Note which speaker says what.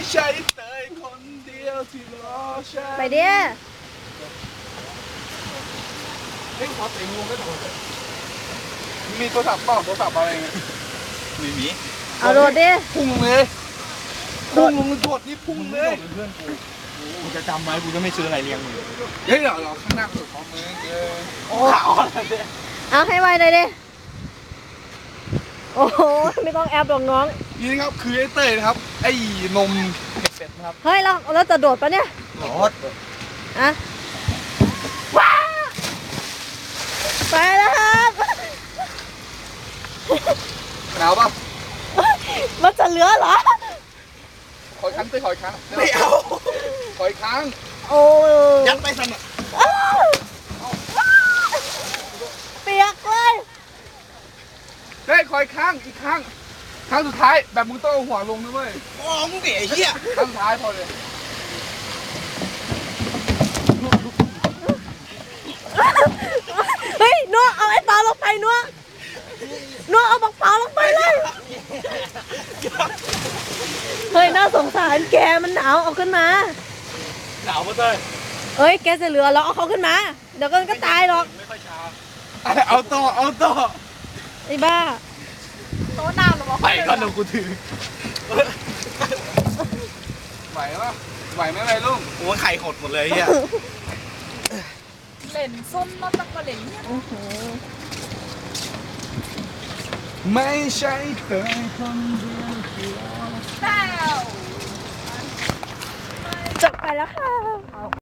Speaker 1: ใช่เตยคนเดียวที่รอฉัน
Speaker 2: ไปเดี๋ยว
Speaker 1: เฮ้ยขอเสียงงงได้ต่อเลยมีโทรศัพท์เปล่าโทรศัพท์อะไรเงี้ยไม่มี
Speaker 2: เอาโดดดิ
Speaker 1: พุ่งเลยพุ่งลงโดดนี่พุ่งเลย
Speaker 3: เพื่อนกูจะจำไว้กูจะไม่ซื้ออะไรเลี้ยงมึง
Speaker 1: เฮ้ยเดี๋ยวข้างหน้าสุดของมึงโอ้ขาอ่อนเลย
Speaker 2: เอาให้ไวหน่อยดิโอ้โหไม่ต้องแอบหรอกน้อง
Speaker 1: นี่นะครับคือไอ้เต้ยนะครับไอ้นมเป็ดนะครับ
Speaker 2: เฮ้ยเราจะโดดปะเนี่ย
Speaker 3: รถ
Speaker 2: อะว้าไปแล้วครับ
Speaker 1: หนาวป่ะ
Speaker 2: มันจะเหลือเหรอ
Speaker 1: ขออีกครั้งเต้ยขออีกครั้ง
Speaker 3: ไม่เอา
Speaker 1: ขออีกครั้ง
Speaker 2: โอ้
Speaker 3: ยัดไปสั่นอ่ะ
Speaker 2: เปียกเลย
Speaker 1: เต้ยขออีกครั้งอีกครั้งครั้งสุดท้ายแบบมึงต้องเอาหัวลงนะเว้ย
Speaker 3: มองมึงดิไอ้เหี้ย
Speaker 1: ครั้งสุดท้ายพอเลย
Speaker 2: เฮ้ยนัวเอาไอ้เปาลงไปนัวเอาบักเปาลงไปเลยเฮ้ยน่าสงสารแกมันหนาวเอาขึ้นมา
Speaker 3: หนาวปะเต้ย
Speaker 2: เอ้ยแกจะเหลือเราเอาเขาขึ้นมาเดี๋ยวก็ตายหรอก
Speaker 3: ไม่ค่อยช้า
Speaker 1: เอาต่อ
Speaker 2: ไอ้บ้าโต๊ะน้ำหรอ
Speaker 3: ไปก่อนเดี๋ยวกูถือ
Speaker 1: ไหวปะไหวไหมไรลุง
Speaker 3: โอ้ยไข่หดหมดเลยไอ้เหี้ย
Speaker 4: เล่นส้มมาตั้งมาเล่นเนี่ย
Speaker 1: ไม่ใช่เธอคนเดียวที่รอ
Speaker 4: แล้ว
Speaker 2: จบไปแล้วค่ะ